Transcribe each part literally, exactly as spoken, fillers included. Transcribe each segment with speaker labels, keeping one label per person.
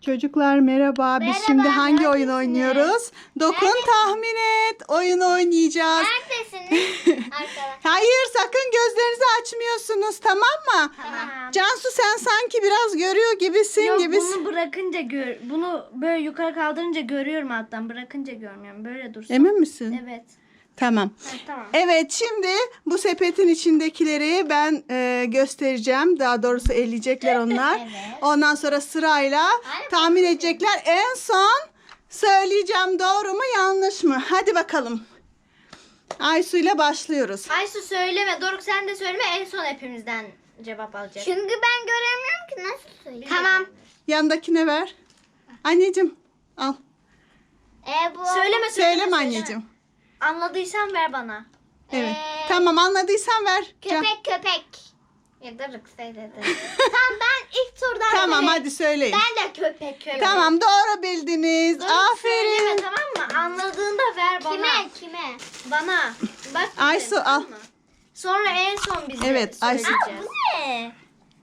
Speaker 1: Çocuklar merhaba. Biz
Speaker 2: Merhaba,
Speaker 1: şimdi hangi oyun
Speaker 2: neredesiniz?
Speaker 1: oynuyoruz? Dokun
Speaker 2: Neredesiniz?
Speaker 1: tahmin et. Oyun oynayacağız.
Speaker 2: Neredesiniz? Arkadaşlar.
Speaker 1: Hayır, sakın gözlerinizi açmıyorsunuz, tamam mı?
Speaker 2: Tamam.
Speaker 1: Cansu, sen sanki biraz görüyor gibisin
Speaker 3: Yok,
Speaker 1: gibisin.
Speaker 3: bunu bırakınca gör. Bunu böyle yukarı kaldırınca görüyorum alttan. Bırakınca görmüyorum. Böyle dursun.
Speaker 1: Emin misin?
Speaker 3: Evet.
Speaker 1: Tamam.
Speaker 3: Ha, tamam.
Speaker 1: Evet, şimdi bu sepetin içindekileri ben e, göstereceğim. Daha doğrusu eleyecekler onlar.
Speaker 2: Evet.
Speaker 1: Ondan sonra sırayla
Speaker 2: Aynen.
Speaker 1: tahmin edecekler. En son söyleyeceğim, doğru mu yanlış mı? Hadi bakalım. Aysu ile başlıyoruz.
Speaker 3: Aysu söyleme. Doruk sen de söyleme. En son hepimizden cevap alacak.
Speaker 2: Çünkü ben göremiyorum ki nasıl söyleyeyim.
Speaker 3: Tamam.
Speaker 1: Yanındakine ver. Anneciğim al.
Speaker 2: E, bu...
Speaker 3: Söyleme söyleme.
Speaker 1: Söyleme anneciğim.
Speaker 3: Anladıysan ver bana.
Speaker 1: Evet.
Speaker 2: Ee,
Speaker 1: Tamam, anladıysan ver. Can-
Speaker 2: Köpek köpek. Ya Doruk söyledi. Tamam, ben ilk turdan
Speaker 1: Tamam,
Speaker 2: söyleyeyim.
Speaker 1: hadi söyleyin.
Speaker 2: Ben de köpek köpek.
Speaker 1: Tamam, doğru bildiniz.
Speaker 3: Doruk söyleme,
Speaker 1: Aferin.
Speaker 3: tamam mı? Anladığında ver bana.
Speaker 2: Kime kime?
Speaker 3: Bana. Bak.
Speaker 1: Aysu,
Speaker 3: bize,
Speaker 1: al.
Speaker 3: tamam mı? Sonra en son biz de
Speaker 1: Evet, Aysu.
Speaker 3: söyleyeceğiz.
Speaker 2: Bu ne?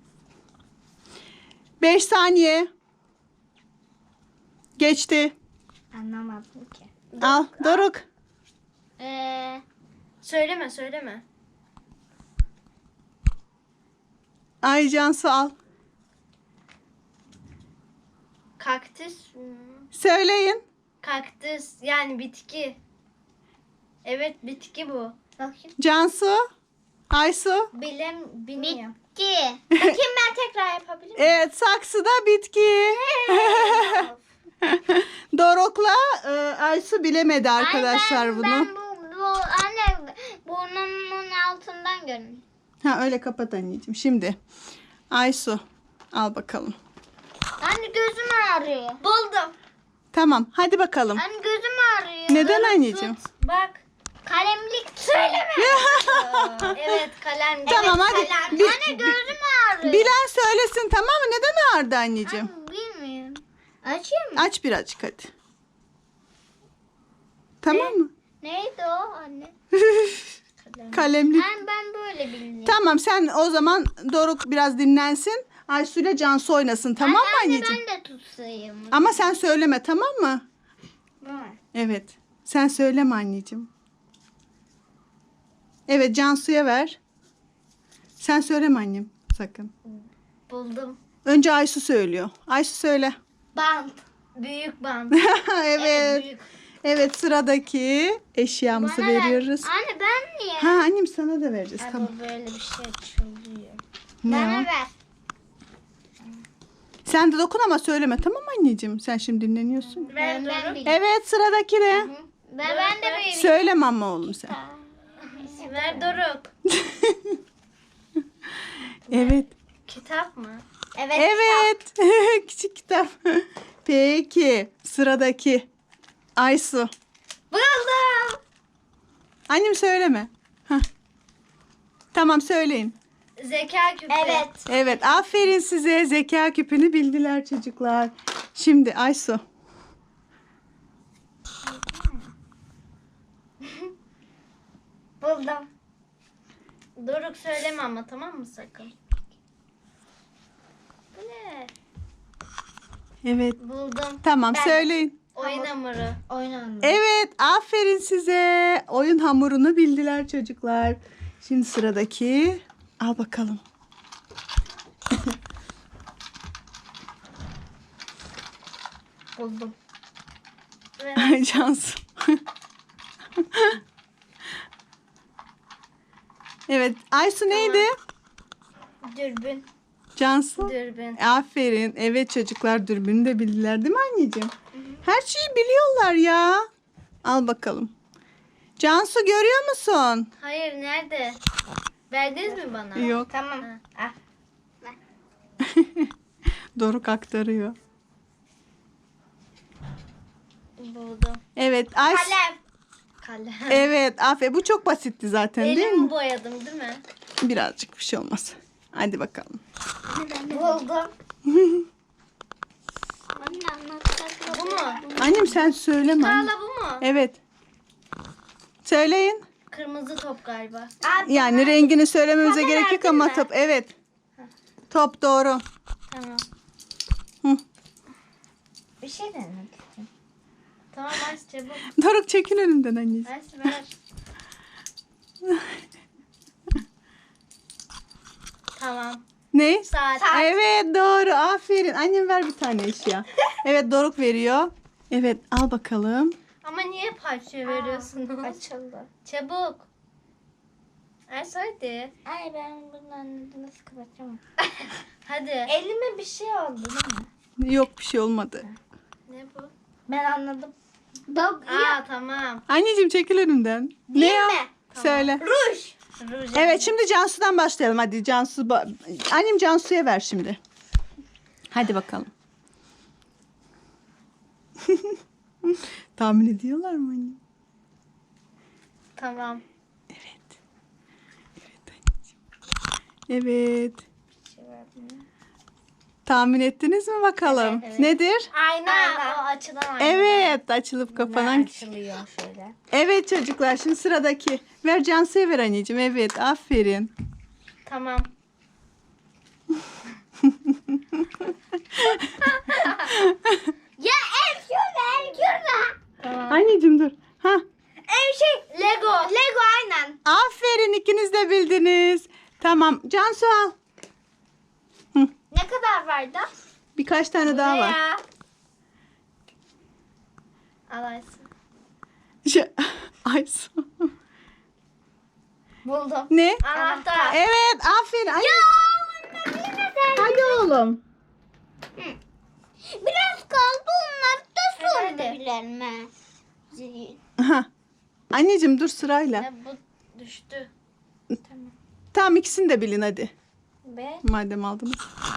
Speaker 1: beş saniye. Geçti.
Speaker 2: Anlamadım ki.
Speaker 1: Al Doruk.
Speaker 2: Ee,
Speaker 3: Söyleme söyleme.
Speaker 1: Ay Cansu al.
Speaker 3: Kaktüs. hmm,
Speaker 1: Söyleyin.
Speaker 3: Kaktüs yani bitki. Evet bitki bu.
Speaker 2: bakayım.
Speaker 1: Cansu. Aysu.
Speaker 3: Bilem bilmiyorum.
Speaker 2: Ki.
Speaker 3: Bakayım ben tekrar yapabilir miyim?
Speaker 1: Evet, saksıda bitki. Doruk'la e, Aysu bilemedi arkadaşlar
Speaker 2: Ay, ben,
Speaker 1: bunu.
Speaker 2: Ben bu, bu anne burnumun altından görünüyor.
Speaker 1: Ha, öyle kapat anneciğim. Şimdi Aysu al bakalım.
Speaker 2: Anne gözüm ağrıyor.
Speaker 3: Buldum.
Speaker 1: Tamam, hadi bakalım.
Speaker 2: Anne gözüm ağrıyor.
Speaker 1: Neden anneciğim?
Speaker 3: Tut, bak.
Speaker 2: Kalemlik söyleme.
Speaker 3: Evet kalem.
Speaker 1: Tamam,
Speaker 3: evet,
Speaker 1: hadi.
Speaker 3: kalem.
Speaker 1: Bir-
Speaker 2: Anne gözüm ağrıyor.
Speaker 1: Bilen söylesin, tamam mı? Neden ağrıdı anneciğim?
Speaker 2: Anne, bilmiyorum. Açayım mı?
Speaker 1: Aç birazcık hadi. Tamam mı?
Speaker 2: Neydi o anne?
Speaker 1: Kalemlik.
Speaker 2: Ben, ben böyle bilmiyorum.
Speaker 1: Tamam, sen o zaman Doruk biraz dinlensin. Aysu ile Cansu oynasın, tamam mı
Speaker 2: Anne,
Speaker 1: anneciğim?
Speaker 2: ben de tutsayım.
Speaker 1: Ama sen söyleme, tamam mı?
Speaker 2: Var.
Speaker 1: Evet. Sen söyleme anneciğim. Evet, Cansu'ya ver. Sen söyleme annem sakın.
Speaker 3: Buldum.
Speaker 1: Önce Aysu söylüyor. Aysu söyle.
Speaker 3: Bant. Büyük bant.
Speaker 1: Evet.
Speaker 3: büyük.
Speaker 1: Evet, sıradaki eşyamızı
Speaker 2: Bana ver.
Speaker 1: veriyoruz.
Speaker 2: Anne ben niye?
Speaker 1: Ha annem, sana da vereceğiz.
Speaker 3: Ay,
Speaker 1: Tamam.
Speaker 3: bu böyle bir şey açılıyor.
Speaker 1: Ne
Speaker 2: Bana
Speaker 1: o?
Speaker 2: ver.
Speaker 1: Sen de dokun ama söyleme, tamam mı anneciğim? Sen şimdi dinleniyorsun.
Speaker 3: Ver
Speaker 2: Ben, ben
Speaker 3: Doruk.
Speaker 2: bilmiyorum.
Speaker 1: Evet, sıradaki ne?
Speaker 2: Ben, ben de böyle
Speaker 1: Söyleme ama oğlum sen.
Speaker 3: Ver Doruk.
Speaker 1: Evet.
Speaker 3: Kitap mı?
Speaker 2: Evet.
Speaker 1: Evet. Küçük kitap. Peki. Sıradaki. Aysu.
Speaker 3: Buldum.
Speaker 1: Annem söyleme. Hah. Tamam, söyleyin.
Speaker 3: Zeka küpü.
Speaker 2: Evet.
Speaker 1: Evet, aferin size. Zeka küpünü bildiler çocuklar. Şimdi Aysu.
Speaker 3: Buldum. Doruk söyleme ama tamam mı sakın? Bu ne?
Speaker 1: Evet.
Speaker 3: Buldum.
Speaker 1: Tamam,
Speaker 3: Ben-
Speaker 1: söyleyin.
Speaker 3: Oyun hamuru.
Speaker 2: Oynandı.
Speaker 1: Evet, aferin size. Oyun hamurunu bildiler çocuklar. Şimdi sıradaki. Al bakalım.
Speaker 3: Buldum.
Speaker 1: Ay Cansu. Evet, Aysu neydi?
Speaker 3: Dürbün.
Speaker 1: Cansu.
Speaker 3: Dürbün.
Speaker 1: Aferin. Evet çocuklar, dürbünü de bildiler değil mi anneciğim? Her şeyi biliyorlar ya. Al bakalım. Cansu, görüyor musun?
Speaker 3: Hayır nerede? Verdiniz mi bana?
Speaker 1: Yok.
Speaker 2: Tamam.
Speaker 3: Ha.
Speaker 2: Ah.
Speaker 1: Doruk aktarıyor.
Speaker 3: Buldum.
Speaker 1: Evet. Aysu.
Speaker 3: Kalem. Kalem.
Speaker 1: Evet. Aferin. Bu çok basitti zaten değil
Speaker 3: Elimi
Speaker 1: mi?
Speaker 3: boyadım değil mi?
Speaker 1: Birazcık bir şey olmaz. Hadi bakalım.
Speaker 3: Buldum.
Speaker 2: Anne anlatacak.
Speaker 3: Bu mu?
Speaker 1: Annem sen söyleme. anne.
Speaker 3: Hala bu mu?
Speaker 1: Evet. Söyleyin.
Speaker 3: Kırmızı top galiba.
Speaker 1: Yani rengini söylememize
Speaker 3: Bana
Speaker 1: gerek yok
Speaker 3: verdin
Speaker 1: ama
Speaker 3: mi?
Speaker 1: top. Evet. Top doğru.
Speaker 3: Tamam.
Speaker 1: Hı.
Speaker 2: bir şey denemek istiyorum.
Speaker 3: Tamam aç çabuk.
Speaker 1: Doruk çekil önümden anneciğim.
Speaker 3: Aç ver. Tamam.
Speaker 1: Ne?
Speaker 3: Saat.
Speaker 1: Evet doğru. Aferin. Annem ver bir tane eşya. Evet Doruk veriyor. Evet al bakalım.
Speaker 3: Ama niye parça veriyorsunuz?
Speaker 2: Açıldı.
Speaker 3: Çabuk. Aç hadi.
Speaker 2: Ay ben bundan nasıl kapatacağım?
Speaker 3: Hadi.
Speaker 2: Elime bir şey oldu değil mi?
Speaker 1: Yok bir şey olmadı.
Speaker 3: Ne bu?
Speaker 2: Ben anladım. Dog
Speaker 3: Aa tamam.
Speaker 1: Anneciğim çekil önümden.
Speaker 2: Değil
Speaker 1: ne ya?
Speaker 2: mi?
Speaker 1: Söyle.
Speaker 2: Ruj.
Speaker 3: Ruj.
Speaker 1: Evet şimdi Cansu'dan başlayalım. Hadi Cansu. ba- Annem Cansu'ya ver şimdi. Hadi bakalım. Tahmin ediyorlar mı anne?
Speaker 3: Tamam.
Speaker 1: Evet. Evet anneciğim. Evet. Tahmin ettiniz mi bakalım?
Speaker 3: Evet, evet.
Speaker 1: Nedir?
Speaker 3: Ayna.
Speaker 2: Ayna.
Speaker 3: O açılan ayna.
Speaker 1: Evet açılıp kapanan.
Speaker 2: Açılıyor şöyle.
Speaker 1: Evet çocuklar şimdi sıradaki. Ver Cansu'ya ver anneciğim. Evet aferin.
Speaker 3: Tamam.
Speaker 2: Ya ev şurada, ev şurada.
Speaker 3: Tamam.
Speaker 1: Anneciğim dur. Ha.
Speaker 2: Ev şey.
Speaker 3: Lego.
Speaker 2: Lego aynen.
Speaker 1: Aferin ikiniz de bildiniz. Tamam Cansu al.
Speaker 2: Ne kadar vardı?
Speaker 1: Birkaç tane daha
Speaker 3: Ne
Speaker 1: var.
Speaker 3: ya? Al Aysun.
Speaker 1: Şu, Aysu.
Speaker 2: Buldum.
Speaker 1: Ne?
Speaker 3: Anahtar.
Speaker 1: Evet aferin. Ay,
Speaker 2: Yine de.
Speaker 1: hadi oğlum.
Speaker 2: Biraz kaldı onlar da
Speaker 3: Hadi,
Speaker 2: sonra
Speaker 3: hadi.
Speaker 2: bilir mi?
Speaker 1: Ha. Anneciğim dur sırayla.
Speaker 3: Ne bu düştü.
Speaker 1: Tamam ikisini de bilin hadi.
Speaker 3: Ve
Speaker 1: Madem aldınız.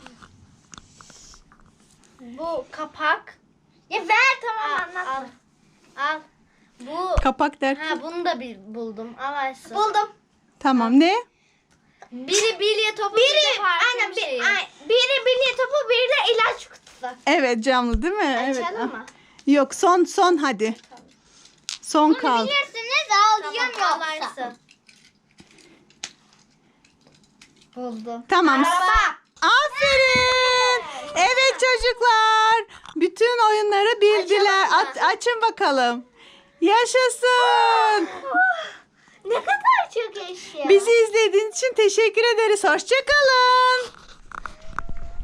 Speaker 3: bu kapak.
Speaker 2: Ya ver tamam
Speaker 3: Al,
Speaker 2: anlat.
Speaker 3: al. Al. Bu
Speaker 1: Kapak derken.
Speaker 3: ha bunu da bil, buldum. Al Aysun.
Speaker 2: Buldum.
Speaker 1: Tamam ne?
Speaker 3: Biri bilye topu, biri,
Speaker 2: Biri
Speaker 3: de parfüm
Speaker 2: aynen bir,
Speaker 3: şeyi.
Speaker 2: ay, biri bilye topu biri de ilaç kutusu.
Speaker 1: Evet camlı değil mi? Evet.
Speaker 2: Açalım mı?
Speaker 1: Yok son son hadi. Son kaldı.
Speaker 2: Bilirsiniz alacağım
Speaker 3: Tamam, al
Speaker 2: yoksa.
Speaker 3: Aysun. Buldum.
Speaker 1: Tamam.
Speaker 2: Araba.
Speaker 1: Aferin. Evet çocuklar. Bütün oyunları bildiler.
Speaker 3: Açalım mı?
Speaker 1: At- açın bakalım. Yaşasın.
Speaker 2: Ne kadar çok eşya.
Speaker 1: Bizi izlediğiniz için teşekkür ederiz. Hoşçakalın.